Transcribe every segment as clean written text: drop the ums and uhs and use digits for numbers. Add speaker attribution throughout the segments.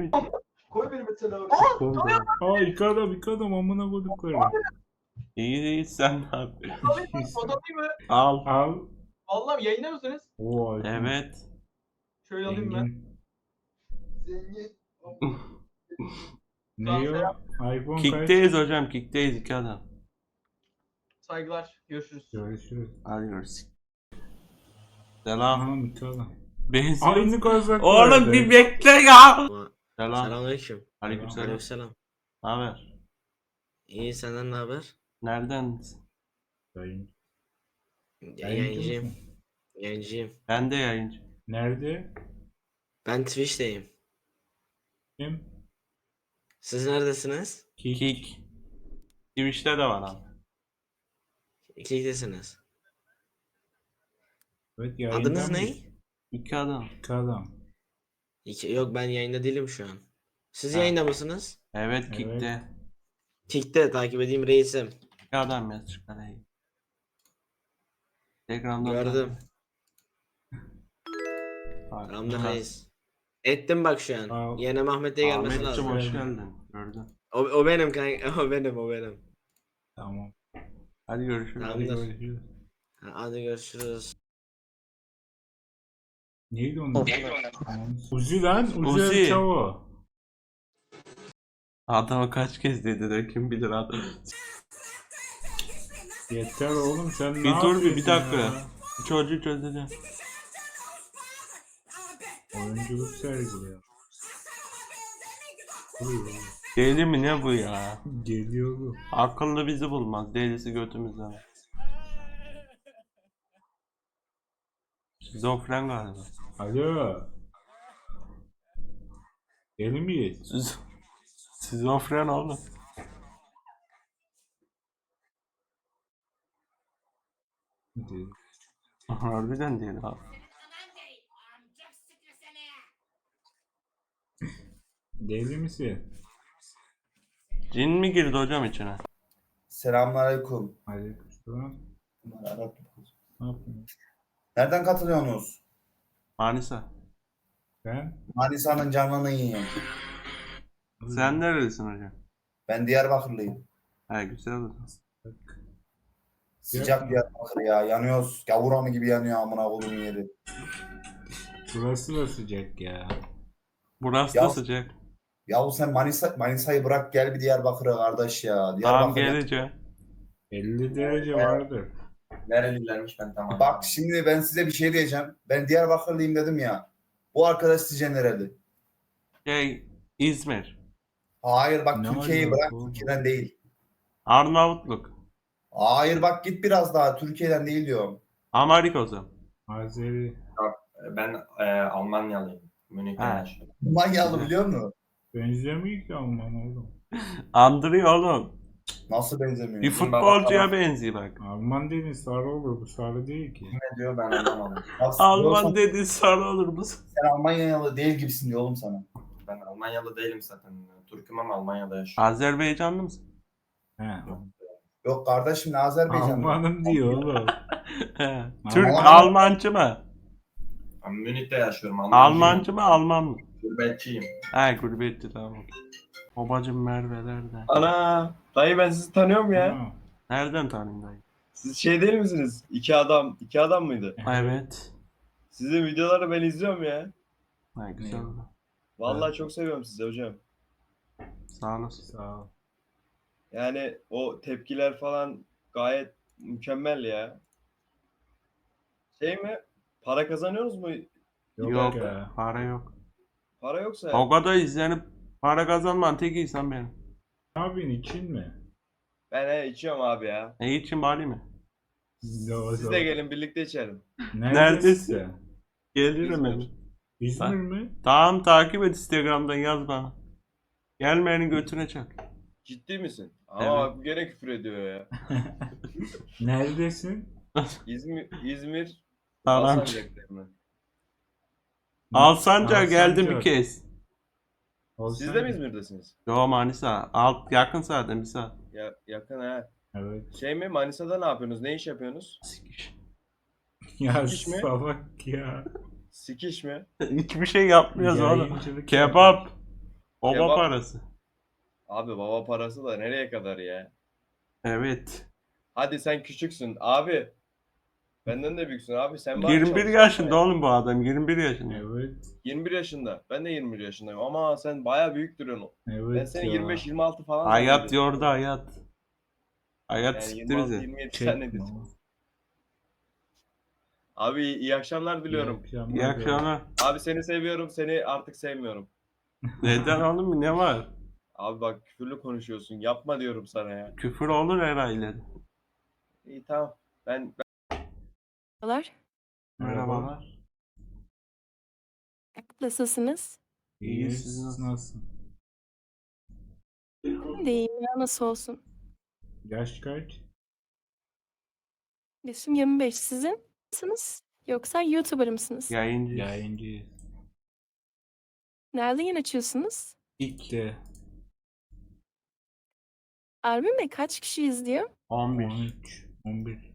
Speaker 1: mi?
Speaker 2: Koy beni mesela abi.
Speaker 3: Aa iki adam amına koydukları.
Speaker 1: İyi sen ne yapıyorsun?
Speaker 2: Fotoğrafayım mı?
Speaker 1: Al.
Speaker 3: Al.
Speaker 2: Vallahi yayında mısınız?
Speaker 3: Oo,
Speaker 1: Evet.
Speaker 2: Şöyle alayım ben.
Speaker 3: Zengin.
Speaker 2: Zengin.
Speaker 3: Ne ya? iPhone kaç?
Speaker 1: Kickteyiz hocam. Kickteyiz 2 adam.
Speaker 2: Saygılar. Görüşürüz.
Speaker 3: Görüşürüz.
Speaker 1: Hadi görüşürüz. Selam.
Speaker 3: Aha iki adam.
Speaker 1: Benziyor.
Speaker 3: Aynı kozak
Speaker 1: Oğlum bir bekle ya. Selam.
Speaker 4: Selamünaleyküm.
Speaker 1: Aleykümselam.
Speaker 4: Aleykümselam.
Speaker 1: Ne haber?
Speaker 4: İyi, senden ne haber?
Speaker 1: Nereden?
Speaker 3: Yayıncı
Speaker 4: Yayıncıyım.
Speaker 3: mısın?
Speaker 4: Yayıncıyım.
Speaker 1: Ben de yayıncı.
Speaker 3: Nerede?
Speaker 4: Ben Twitch'teyim.
Speaker 3: Kim?
Speaker 4: Siz neredesiniz?
Speaker 1: Kick. Twitch'te de var abi.
Speaker 4: İkiydesiniz.
Speaker 3: Evet yayında
Speaker 4: Adınız ne?
Speaker 3: mıyız?
Speaker 1: 2 adam.
Speaker 3: İki adam.
Speaker 4: Yok, ben yayında değilim şu an. Siz
Speaker 1: Ha.
Speaker 4: yayında mısınız?
Speaker 1: Evet Kick'te.
Speaker 4: Kick'te takip edeyim reisim.
Speaker 1: 2 adam ya çıkarayım. Telegram'dan
Speaker 4: Gördüm.
Speaker 1: Bak,
Speaker 4: Ramda
Speaker 1: bak.
Speaker 4: reis. Ettim bak şu an.
Speaker 3: Aa,
Speaker 4: Yine Mahmet'e gelmesi
Speaker 1: Ahmetciğim
Speaker 4: lazım.
Speaker 1: hoş geldin. Gördüm.
Speaker 4: O benim kanka. O benim.
Speaker 3: Tamam.
Speaker 1: Hadi görüşürüz.
Speaker 4: Tamam.
Speaker 3: Hadi
Speaker 4: Tamamdır.
Speaker 3: görüşürüz.
Speaker 4: Hadi görüşürüz.
Speaker 3: Neydi onun? Tamam. Uzi lan.
Speaker 1: Uzi.
Speaker 3: Uzi Çavo.
Speaker 1: Adama kaç kez dediler kim bilir adam.
Speaker 3: Yeter oğlum sen ne
Speaker 1: Bir dur bir
Speaker 3: yapıyorsun
Speaker 1: dakika.
Speaker 3: ya?
Speaker 1: Çocuğu çözeceğim.
Speaker 3: Oyunculuk sergiliyor.
Speaker 1: Deli mi ne bu ya?
Speaker 3: Geliyor bu.
Speaker 1: Akıllı bizi bulmaz. Delisi götümüzden. Şizofren galiba.
Speaker 3: Alo. Deli miyiz?
Speaker 1: Şizofren oğlum.
Speaker 3: Deli.
Speaker 1: Harbiden değil abi.
Speaker 3: Deli misin?
Speaker 1: Cin mi girdi hocam içine?
Speaker 5: Selamünaleyküm.
Speaker 3: Aleykümselam. Ne yapıyorsun?
Speaker 5: Nereden katılıyorsunuz?
Speaker 1: Manisa.
Speaker 3: Ben?
Speaker 5: Manisa'nın canını yiyeyim.
Speaker 1: Sen nerelisin hocam?
Speaker 5: Ben Diyarbakırlıyım.
Speaker 1: He güzel oldu.
Speaker 5: Sıcak Diyarbakır ya. Yanıyoruz. Gavuranı gibi yanıyor amına koyduğum yeri.
Speaker 3: Burası da sıcak ya.
Speaker 1: Burası da
Speaker 5: Ya-
Speaker 1: sıcak.
Speaker 5: Yahu sen Manisa'yı bırak gel bir Diyarbakır'a kardeş ya.
Speaker 1: Tamam
Speaker 5: Diyarbakır.
Speaker 1: geleceğim.
Speaker 3: 50 derece vardır.
Speaker 6: Nerelilermiş ben tamam.
Speaker 5: Bak şimdi ben size bir şey diyeceğim. Ben Diyarbakırlıyım dedim ya. Bu arkadaş sizce nereli?
Speaker 1: İzmir.
Speaker 5: Hayır bak
Speaker 3: Ne
Speaker 5: Türkiye'yi
Speaker 3: alaka
Speaker 5: bırak.
Speaker 3: oğlum?
Speaker 5: Türkiye'den değil.
Speaker 1: Arnavutluk.
Speaker 5: Hayır bak git biraz daha. Türkiye'den değil diyorum.
Speaker 1: Amerikozum.
Speaker 3: Azeri.
Speaker 6: Ben Almanyalıyım. Münih'te
Speaker 1: Ha.
Speaker 6: yaşıyorum.
Speaker 5: Manyalı biliyor musun?
Speaker 3: Benzemiyor ki Alman oğlum.
Speaker 1: Andırıyor oğlum.
Speaker 5: Nasıl benzemiyor?
Speaker 1: Bir futbolcuya benziyor bak.
Speaker 3: Alman dediğin sarı olur. Bu sarı değil ki.
Speaker 6: Ne diyor ben anlamadım.
Speaker 5: Bak,
Speaker 1: Alman dedi sarı olur mu?
Speaker 5: Sen Almanyalı değil gibisin diyor oğlum sana.
Speaker 6: Ben Almanyalı değilim zaten. Türk'üm ama Almanya'da yaşıyorum.
Speaker 1: Azerbaycanlı mısın?
Speaker 3: He.
Speaker 5: Yok kardeşim ne Azerbaycanlı.
Speaker 3: Almanım diyor oğlum.
Speaker 1: He. Türk
Speaker 5: Alman-
Speaker 1: Almancı mı?
Speaker 6: Ben Münih'te yaşıyorum.
Speaker 1: Almancı mı Alman mı?
Speaker 6: Gurbetçiyim.
Speaker 1: He gurbetçi tamam. Babacım Merve'lerde.
Speaker 7: Ana, dayı ben sizi tanıyorum ya.
Speaker 3: Ha.
Speaker 1: Nereden tanıyın dayı?
Speaker 7: Siz şey değil misiniz? İki adam mıydı?
Speaker 1: Evet.
Speaker 7: Sizin videoları ben izliyorum ya.
Speaker 1: Ha, güzel oldu.
Speaker 7: Vallahi çok seviyorum sizi hocam.
Speaker 1: Sağ olasın.
Speaker 3: Sağ ol.
Speaker 7: Yani o tepkiler falan gayet mükemmel ya. Şey mi? Para kazanıyorsunuz mu?
Speaker 1: Yok,
Speaker 3: ya.
Speaker 1: para yok.
Speaker 7: Para yoksa
Speaker 1: O kadar izlenip para kazanman tek insan benim.
Speaker 3: Ne yapıyorsun için mi?
Speaker 7: ben içiyorum abi ya.
Speaker 1: Ne için bari mi?
Speaker 7: Siz de gelin birlikte içelim.
Speaker 1: Neredesin?
Speaker 3: sen?
Speaker 1: Gelirim
Speaker 7: İzmir.
Speaker 1: hemen.
Speaker 3: İzmir mi?
Speaker 1: Tamam takip et Instagram'dan yaz bana. Gelmeyenin götüne çak.
Speaker 7: Ciddi misin? Ama
Speaker 1: Evet.
Speaker 7: bak bu gene küfür ediyor ya.
Speaker 3: Neredesin?
Speaker 7: İzmir
Speaker 1: Tamam.
Speaker 7: Alsancak'ta mı?
Speaker 1: Alsanca geldim bir
Speaker 3: Alsancak.
Speaker 1: kez.
Speaker 7: Siz de mi İzmir'desiniz?
Speaker 1: Yo Manisa. Yakın zaten bir saat.
Speaker 7: Ya yakın ha.
Speaker 3: Evet.
Speaker 7: Şey mi, Manisa'da ne yapıyorsunuz? Ne iş yapıyorsunuz?
Speaker 1: Sikiş.
Speaker 3: Ya
Speaker 7: Sikiş mi?
Speaker 3: salak ya.
Speaker 7: Sikiş mi?
Speaker 1: Hiçbir şey yapmıyoruz oğlum.
Speaker 3: Yayıncılık
Speaker 1: Kebap. Baba
Speaker 7: Kebap-
Speaker 1: parası.
Speaker 7: Abi baba parası da nereye kadar ya?
Speaker 1: Evet.
Speaker 7: Hadi sen küçüksün abi. Benden de büyüksün abi. Sen bari
Speaker 1: 21
Speaker 7: çalışsana
Speaker 1: yaşında
Speaker 7: ya.
Speaker 1: oğlum bu adam. 21 yaşında.
Speaker 3: Evet.
Speaker 7: 21 yaşında. Ben de 21 yaşındayım ama sen baya büyük duruyorsun.
Speaker 3: Evet
Speaker 7: Ben seni
Speaker 3: ya.
Speaker 7: 25-26 falan
Speaker 1: Hayat
Speaker 7: zannediyorum.
Speaker 1: yordu hayat. Hayat
Speaker 7: Yani
Speaker 1: siktir bizi.
Speaker 7: 26-27
Speaker 3: Çekme
Speaker 7: zannediyorsun.
Speaker 3: o.
Speaker 7: Abi iyi akşamlar diliyorum.
Speaker 1: İyi akşamlar.
Speaker 7: Abi seni seviyorum. Seni artık sevmiyorum.
Speaker 1: Neden oğlum, ne var?
Speaker 7: Abi bak küfürlü konuşuyorsun. Yapma diyorum sana ya.
Speaker 1: Küfür olur herhalde.
Speaker 7: İyi tamam. Ben
Speaker 8: Merhabalar.
Speaker 1: Merhabalar.
Speaker 8: Nasılsınız?
Speaker 1: İyi,
Speaker 3: Siz
Speaker 1: siz
Speaker 3: nasıl?
Speaker 8: Ben de iyiyim ya, nasıl olsun.
Speaker 3: Yaş kaç?
Speaker 8: Yaşım 25. Sizin misiniz? Yoksa YouTuber mısınız?
Speaker 1: Yayıncı.
Speaker 3: Yayıncı.
Speaker 8: Nerede yayın açıyorsunuz?
Speaker 3: İlk de
Speaker 8: Harbi mi? Kaç kişi izliyor?
Speaker 1: 11.
Speaker 3: 13, 11.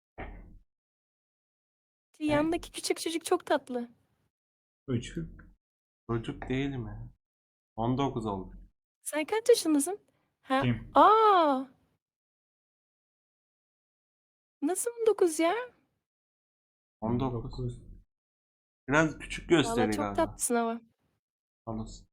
Speaker 8: Yanındaki küçük çocuk çok tatlı.
Speaker 3: Çocuk.
Speaker 1: Çocuk değil mi? 19 oldu.
Speaker 8: Sen kaç yaşındasın? Ha?
Speaker 3: Kim?
Speaker 8: Aa! Nasıl 19 ya?
Speaker 1: 19. Biraz küçük
Speaker 8: Vallahi
Speaker 1: gösteriyor
Speaker 8: çok
Speaker 1: galiba.
Speaker 8: tatlısın ama.
Speaker 1: Anlasın.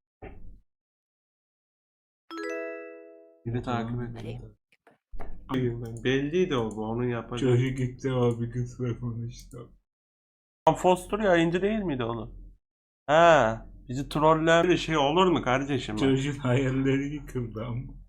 Speaker 1: Biri takip ediyor. Ben. Belliydi o bu. Onu yapacak.
Speaker 3: Çocuk ilk defa bir kızla konuştu.
Speaker 1: Foster yayıncı değil miydi oğlum? Ha, bizi troller bir şey olur mu kardeşim?
Speaker 3: Çocuğun hayalleri yıkıldı ama.